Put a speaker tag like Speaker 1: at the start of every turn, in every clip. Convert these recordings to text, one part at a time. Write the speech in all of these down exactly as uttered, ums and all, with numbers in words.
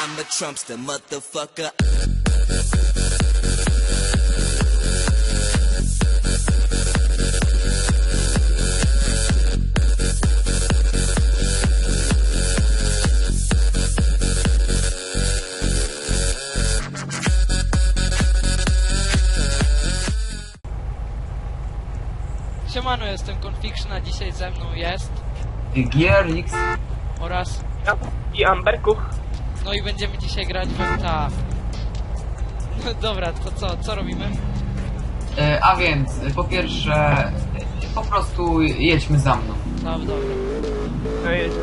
Speaker 1: I'm a Trumpster, motherfucker.
Speaker 2: Siemano, jestem Confiction, a dzisiaj ze mną jest
Speaker 3: G R X
Speaker 2: oraz
Speaker 4: Ja i Amberkuch.
Speaker 2: no i będziemy dzisiaj grać w M T A. No dobra, to co, co robimy?
Speaker 3: e, A więc, po pierwsze, e, po prostu jedźmy za mną.
Speaker 2: No dobra.
Speaker 4: No jest.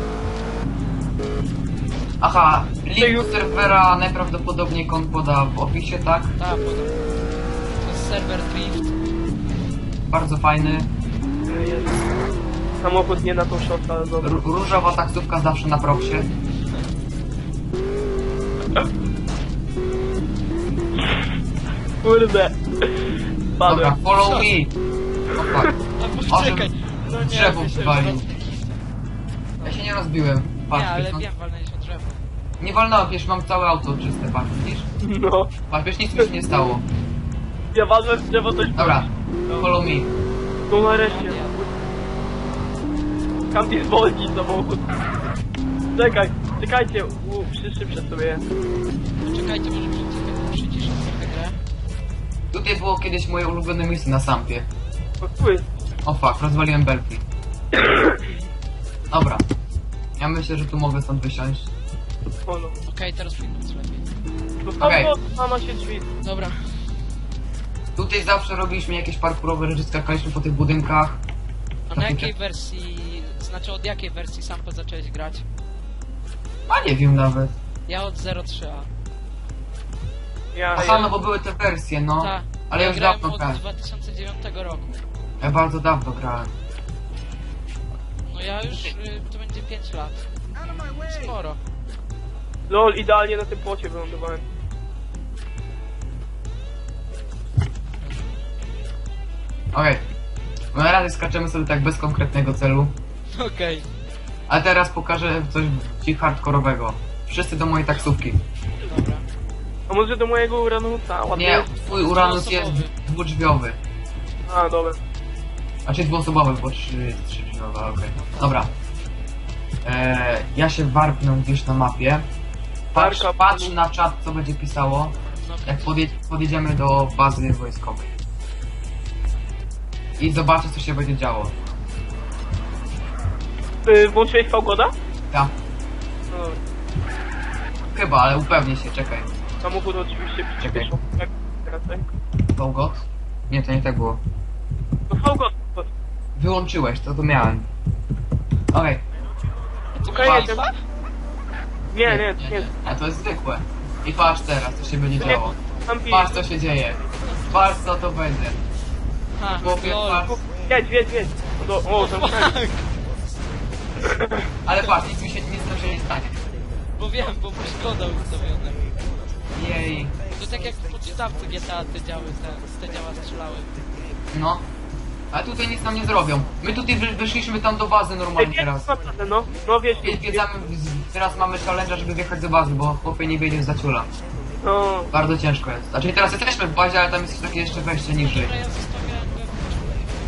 Speaker 3: Aha, link do serwera najprawdopodobniej kon poda w opisie, tak?
Speaker 2: Tak, podobno. To jest serwer Drift.
Speaker 3: Bardzo fajny.
Speaker 4: Jest. Samochód nie na tą szotę, ale dobra.
Speaker 3: R różowa taksówka zawsze na proksie.
Speaker 4: Kurde.
Speaker 3: Dobra,
Speaker 4: Padłem.
Speaker 3: follow me. O fuck.
Speaker 2: A
Speaker 3: O,
Speaker 2: poczekaj! No nie,
Speaker 3: drzewo
Speaker 2: ty się
Speaker 3: wywalił.
Speaker 2: roz-
Speaker 3: Ja się nie rozbiłem. Patrz,
Speaker 2: Nie, ale
Speaker 3: wiesz, no-
Speaker 2: wiem, walnęliśmy drzewo.
Speaker 3: nie walnąłem, wiesz, mam całe auto czyste, patrz, widzisz?
Speaker 4: No.
Speaker 3: Patrz, wiesz, nic mi się nie stało.
Speaker 4: Ja walnę w drzewo coś.
Speaker 3: Dobra, follow me.
Speaker 4: No nareszcie. Kampi zwolni samochód. Czekaj, czekajcie, u, przyszybsze sobie.
Speaker 2: Czekajcie, może przyciszę, przyciszę trochę grę.
Speaker 3: Tutaj było kiedyś moje ulubione miejsce na sampie.
Speaker 4: O, tu jest.
Speaker 3: O fuck, rozwaliłem belki. Dobra. Ja myślę, że tu mogę stąd wysiąść.
Speaker 4: O no.
Speaker 2: Okej, teraz powinno być lepiej.
Speaker 4: To
Speaker 3: Okej.
Speaker 4: okay. Ma się drzwi.
Speaker 2: Dobra.
Speaker 3: Tutaj zawsze robiliśmy jakieś parkurowe rzeczy, skakaliśmy po tych budynkach.
Speaker 2: A na jakiej wersji, znaczy od jakiej wersji Sampa zacząłeś grać?
Speaker 3: A nie wiem nawet.
Speaker 2: Ja od zero trzy A.
Speaker 4: Ja,
Speaker 3: Aha, no bo były te wersje, no.
Speaker 2: Tak.
Speaker 3: Ale
Speaker 2: ja
Speaker 3: już
Speaker 2: grałem
Speaker 3: dawno
Speaker 2: od
Speaker 3: grałem.
Speaker 2: dwa tysiące dziewiątego roku.
Speaker 3: Ja bardzo dawno grałem.
Speaker 2: No ja już, y, to będzie pięć lat. Sporo.
Speaker 4: Lol, idealnie na tym płocie wylądowałem.
Speaker 3: Okej. Okay. Na razie skaczemy sobie tak bez konkretnego celu.
Speaker 2: Okej.
Speaker 3: A teraz pokażę coś ci hardkorowego. Wszyscy do mojej taksówki.
Speaker 2: Dobra.
Speaker 4: A może do mojego Uranusa? Ładnie.
Speaker 3: Nie, twój Uranus jest
Speaker 2: Dwuosobowy.
Speaker 3: dwudrzwiowy.
Speaker 4: A, dobra.
Speaker 3: Znaczy dwuosobowy, bo trzy, trzy drzwiowe, okej. Okay. Dobra. Eee, ja się warpnę gdzieś na mapie. Patrz,
Speaker 4: Warka,
Speaker 3: patrz
Speaker 4: panu.
Speaker 3: na czat, co będzie pisało,
Speaker 2: No,
Speaker 3: jak podje podjedziemy do bazy wojskowej. I zobaczę, co się będzie działo.
Speaker 4: Ty włączyłeś Fałgoda?
Speaker 3: Ja,
Speaker 4: No dobra.
Speaker 3: chyba, ale upewnię się, czekaj.
Speaker 4: Samochód oczywiście przyspieszył. Jak teraz, tak?
Speaker 3: Fałgot? Nie, to nie tak było.
Speaker 4: No Fałgod.
Speaker 3: Wyłączyłeś, to to miałem. Okej.
Speaker 4: Okej,
Speaker 3: Patrz.
Speaker 4: jestem. Nie, nie, nie.
Speaker 3: A to jest zwykłe. I patrz teraz, co się będzie
Speaker 4: Nie,
Speaker 3: działo.
Speaker 4: Kampi.
Speaker 3: Patrz, co się dzieje. Patrz, co to będzie.
Speaker 2: Ha,
Speaker 3: Chłopie,
Speaker 2: lol.
Speaker 3: patrz.
Speaker 4: Jedź, jedź, jedź. O, o tam
Speaker 2: Tak,
Speaker 3: Ale patrz, nic mi się nic tam się nie stanie.
Speaker 2: bo wiem, bo masz koda ustawione.
Speaker 3: Jej.
Speaker 2: To tak jak w podstawce G T A te działy, te, te działa strzelały.
Speaker 3: No. Ale tutaj nic nam nie zrobią. My tutaj wy, wyszliśmy tam do bazy normalnie teraz.
Speaker 4: naprawdę, no. No wiesz,
Speaker 3: Wie- Wiedzamy, teraz mamy challenge, żeby wjechać do bazy, bo chłopie nie wiedzie za ciula.
Speaker 4: No.
Speaker 3: Bardzo ciężko jest. Znaczy teraz jesteśmy w bazie, ale tam jest takie jeszcze wejście niżej.
Speaker 2: Dobra, ja zostawiałem wewnątrz.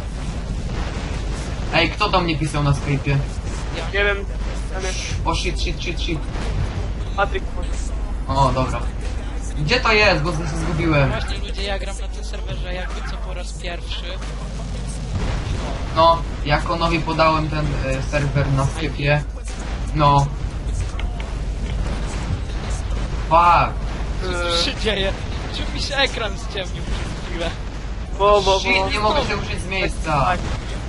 Speaker 3: Ej, kto do mnie pisał na Skype'ie?
Speaker 2: Ja
Speaker 4: Nie wiem. Ja nie.
Speaker 3: O shit, shit, shit, shit.
Speaker 4: Patryk.
Speaker 3: O, dobra. Gdzie to jest, bo się zgubiłem.
Speaker 2: Właśnie ludzie, ja gram na tym serwerze jakby co po raz pierwszy.
Speaker 3: No, ja Konowi podałem ten e, serwer na Skype'ie. No. Fuck.
Speaker 2: Co się dzieje? Czy mi się ekran ściemnił przez chwilę?
Speaker 4: Bo, bo, bo.
Speaker 3: Shit, nie mogę się ruszyć z miejsca.
Speaker 4: Tak.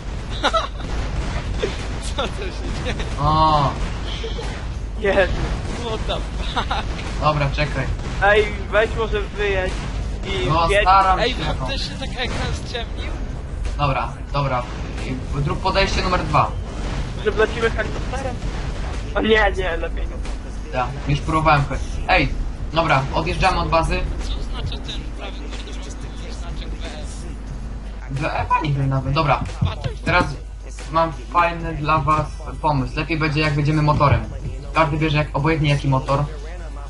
Speaker 2: Co to się dzieje?
Speaker 3: O,
Speaker 4: Jest.
Speaker 2: What the fuck?
Speaker 3: dobra, czekaj.
Speaker 4: Ej, weź może wyjedź i
Speaker 3: No,
Speaker 4: jedź.
Speaker 3: staram
Speaker 2: Ej,
Speaker 3: się.
Speaker 2: bo też się tak ekran ściemnił?
Speaker 3: Dobra, dobra. I Zrób podejście numer dwa.
Speaker 4: Że wlecimy helikopterem? O nie, nie, lepiej nie.
Speaker 3: Ja, już próbowałem choć. Ej, dobra, odjeżdżamy od bazy.
Speaker 2: Co znaczy ten prawy górny znaczek W S?
Speaker 3: Dla Ewa nie wiem nawet. Dobra, teraz mam fajny dla was pomysł. Lepiej będzie jak będziemy motorem. Każdy wie, że jak obojętnie jaki motor.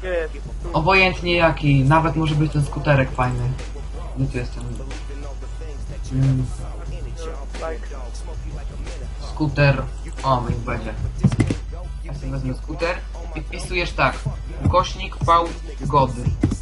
Speaker 4: Gdzie jest?
Speaker 3: Obojętnie jaki, nawet może być ten skuterek fajny. Gdzie tu jest ten... Mm,
Speaker 4: Tak.
Speaker 3: skuter... O, niech będzie. Ja sobie wezmę skuter i wpisujesz tak. Ukośnik V gody.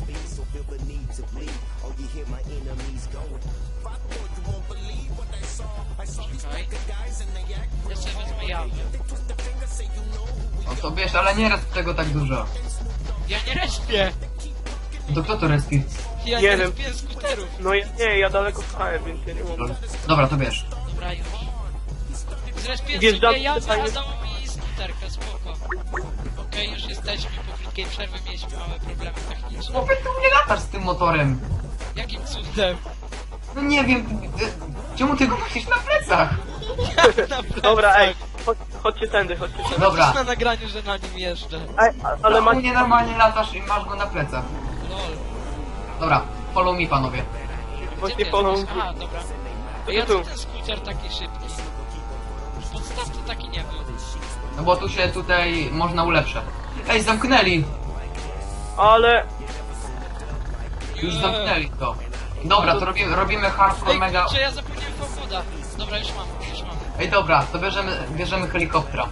Speaker 2: Czekaj. Ja sobie wezmę jawy.
Speaker 3: No to wiesz, ale nie raz tego tak dużo.
Speaker 2: Ja nie respię!
Speaker 3: To kto to reski?
Speaker 2: Ja
Speaker 4: Nie
Speaker 2: nie
Speaker 4: wiem.
Speaker 2: respię skuterów.
Speaker 4: No ja, nie, ja daleko stałem, więc ja nie mogę.
Speaker 3: Dobra, to wiesz.
Speaker 2: Dobra, już. Zrespię
Speaker 4: Wjeżdżam
Speaker 2: sobie jawy,
Speaker 4: tutaj.
Speaker 2: a dało mi skuterkę, spoko. Okej, już jesteśmy, po krótkiej przerwie mieliśmy małe problemy techniczne.
Speaker 3: Chłopie, ty nie latasz z tym motorem.
Speaker 2: Jakim cudem?
Speaker 3: No nie wiem, ty, ty, czemu ty go nosisz na plecach?
Speaker 4: Dobra, ej, chodź, chodźcie tędy, chodźcie tędy.
Speaker 3: Dobra.
Speaker 2: Na nagraniu, że na nim jeżdżę.
Speaker 4: Ej, a- ale
Speaker 3: U
Speaker 4: macie...
Speaker 3: mnie normalnie latasz i masz go na plecach.
Speaker 2: Lol.
Speaker 3: Dobra, follow me panowie.
Speaker 2: Gdzie
Speaker 4: Właśnie
Speaker 2: ty
Speaker 4: polą...
Speaker 2: jesteś? A, dobra.
Speaker 4: To
Speaker 2: Ja
Speaker 4: tu.
Speaker 2: co ten skuter taki szybki? W podstawce taki nie był.
Speaker 3: No bo tu się tutaj można ulepszać. Ej, zamknęli!
Speaker 4: Ale...
Speaker 3: Już zamknęli to. Dobra, to robimy, robimy hardcore
Speaker 2: Ej,
Speaker 3: mega...
Speaker 2: kurczę, ja zapomniałem woda. Dobra, już mam, już mam.
Speaker 3: Ej, dobra, to bierzemy, bierzemy helikoptera.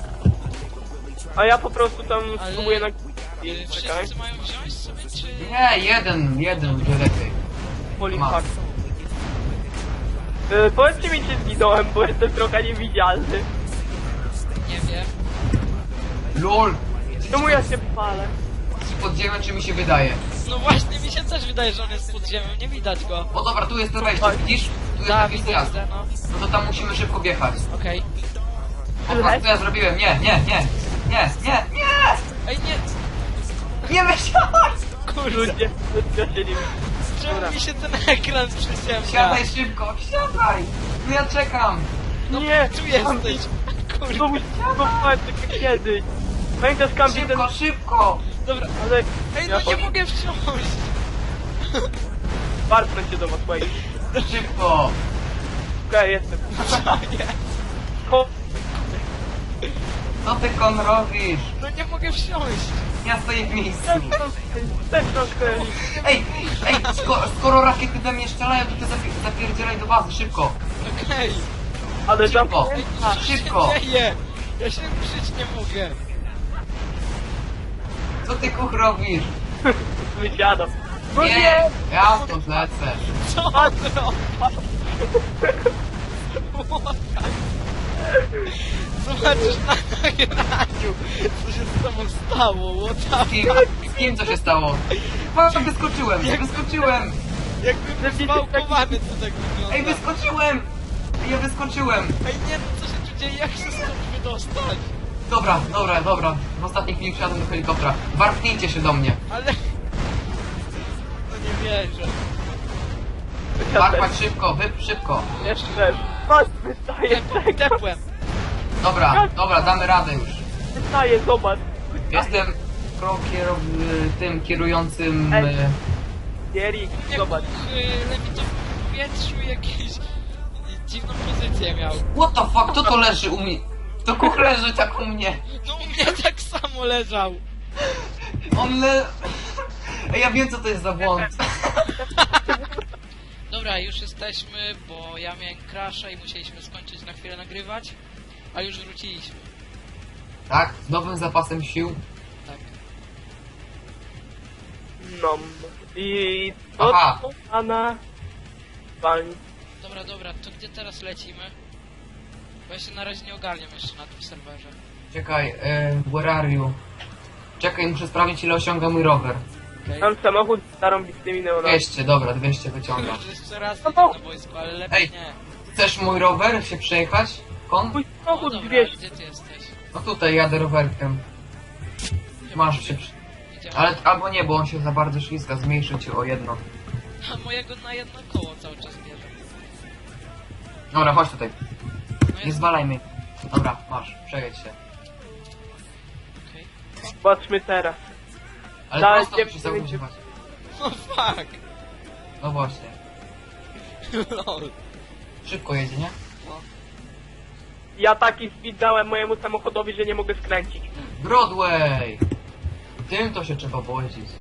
Speaker 4: A ja po prostu tam
Speaker 2: Ale-
Speaker 4: spróbuję na...
Speaker 2: Yy,
Speaker 4: Czekaj.
Speaker 2: Wszyscy mają wziąć sobie, czy...
Speaker 3: Nie, jeden, jeden będzie lepiej.
Speaker 4: Polipak. Yy, powiedzcie mi, czy zginąłem, bo jestem trochę niewidzialny.
Speaker 2: Nie wiem.
Speaker 3: LOL!
Speaker 4: Czemu ja się palę?
Speaker 3: Czy pod ziemią, czy mi się wydaje?
Speaker 2: No właśnie, mi się też wydaje, że on jest pod ziemią, nie widać go.
Speaker 3: O dobra, tu jest to wejście, widzisz? Tu jest
Speaker 2: Tak,
Speaker 3: taki
Speaker 2: widzę,
Speaker 3: zjazd.
Speaker 2: widzę, no.
Speaker 3: No to tam musimy szybko wjechać.
Speaker 2: Okej.
Speaker 3: O, patrz, co ja zrobiłem? Nie, nie, nie! Nie, nie, nie!
Speaker 2: Ej, nie!
Speaker 3: Nie wysiadaj!
Speaker 2: Kurde,
Speaker 4: Ludzie, ludzie się nie...
Speaker 2: czemu
Speaker 4: Dobra.
Speaker 2: mi się ten ekran przyciemnia?
Speaker 3: Siadaj szybko, siadaj! No ja czekam!
Speaker 2: No
Speaker 4: Nie,
Speaker 2: tu jesteś! Kurde.
Speaker 4: Znowu znowu tak jak kiedyś. Pamiętasz Kampi ten...
Speaker 3: Szybko, szybko!
Speaker 2: Dobra,
Speaker 4: Ale...
Speaker 2: ej,
Speaker 4: Ja
Speaker 2: no nie
Speaker 4: chodź-
Speaker 2: mogę wsiąść!
Speaker 4: Warpnę cię do was, wait.
Speaker 3: Szybko!
Speaker 4: Okej, jestem.
Speaker 2: Nie,
Speaker 4: Ko...
Speaker 3: Co ty kon robisz?
Speaker 2: no nie mogę wsiąść!
Speaker 3: Ja stoję w miejscu.
Speaker 4: Też troszkę...
Speaker 3: Ej, ej, skoro, skoro rakiety we mnie strzelają, to ty zapi- zapierdzielaj do bazy, szybko!
Speaker 2: Okej!
Speaker 4: Ale
Speaker 3: Szybko.
Speaker 4: zamknięta.
Speaker 3: Szybko.
Speaker 2: Co się dzieje? Ja się ruszyć nie mogę!
Speaker 3: Co ty kuch robisz?
Speaker 4: Wysiadam. No
Speaker 3: Nie!
Speaker 4: nie!
Speaker 3: Ja stąd lecę.
Speaker 2: Co on robi? Zobaczysz na nagraniu, co się z tobą stało, what the
Speaker 3: Z kim, z kim co się stało? Patrz, wyskoczyłem, wyskoczyłem!
Speaker 2: Jakby zbałkowany to tak wygląda.
Speaker 3: Ej, wyskoczyłem! Ja wyskoczyłem!
Speaker 2: Ej, nie no, co się tu dzieje, jak się stąd wydostać?
Speaker 3: Dobra, dobra, dobra. W ostatniej chwili wsiadłem do helikoptera. Warpnijcie się do mnie.
Speaker 2: Ale... No nie wierzę.
Speaker 3: Warpać szybko, wy szybko.
Speaker 4: Jeszcze. Patrz, wystaje,
Speaker 2: Tepłem,
Speaker 4: czekaj.
Speaker 2: tepłem.
Speaker 3: Dobra, dobra, damy radę już.
Speaker 4: Wystaje, zobacz.
Speaker 3: Jestem pro kierow... tym kierującym...
Speaker 4: Ej.
Speaker 3: e,
Speaker 4: Erik,
Speaker 2: Jak
Speaker 4: zobacz.
Speaker 2: yy, lewitował w powietrzu jakieś dziwną pozycję miał.
Speaker 3: What the fuck, kto to leży u mnie? To kuch leży tak u mnie.
Speaker 2: No u mnie tak samo leżał.
Speaker 3: On le... Ej, ja wiem co to jest za błąd.
Speaker 2: Dobra, już jesteśmy, bo ja miałem crasha i musieliśmy skończyć na chwilę nagrywać, a już wróciliśmy.
Speaker 3: Tak, z nowym zapasem sił.
Speaker 2: Tak.
Speaker 4: No. I... To,
Speaker 3: Aha.
Speaker 4: to Ana... Walni.
Speaker 2: Dobra, dobra, to gdzie teraz lecimy? Bo ja się na razie nie ogarniam jeszcze na tym serwerze.
Speaker 3: Czekaj, e, where are you? Czekaj, muszę sprawdzić ile osiąga mój rower.
Speaker 2: Okay.
Speaker 4: Tam samochód z zarąbistymi neonami.
Speaker 3: dwieście, dobra, dwieście wyciągam.
Speaker 2: Już jeszcze raz
Speaker 4: No
Speaker 2: idę
Speaker 4: to-
Speaker 2: na wojsku, ale lepiej
Speaker 3: Ej.
Speaker 2: nie.
Speaker 3: Chcesz mój rower się przejechać? Kon?
Speaker 4: Mój
Speaker 2: O,
Speaker 4: samochód
Speaker 2: dobra,
Speaker 4: dwieście.
Speaker 2: gdzie ty jesteś?
Speaker 3: No tutaj jadę rowerkiem. Masz się przy...
Speaker 2: Idziemy.
Speaker 3: Ale albo nie, bo on się za bardzo ślizga, zmniejszy cię o jedno.
Speaker 2: A mojego na jedno koło cały czas bierze.
Speaker 3: Dobra, chodź tutaj.
Speaker 2: No
Speaker 3: Nie
Speaker 2: jest...
Speaker 3: zwalaj mnie. Dobra, masz, przejedź się.
Speaker 2: Okej.
Speaker 4: Patrzmy teraz.
Speaker 3: Ale
Speaker 4: Daj,
Speaker 3: prosto
Speaker 4: nie
Speaker 3: musisz
Speaker 4: wiem,
Speaker 3: zaużywać.
Speaker 2: No fuck.
Speaker 3: No właśnie.
Speaker 2: Lol.
Speaker 3: Szybko jedzie, nie?
Speaker 4: Ja taki speed dałem mojemu samochodowi, że nie mogę skręcić.
Speaker 3: Broadway! tym to się trzeba połączyć.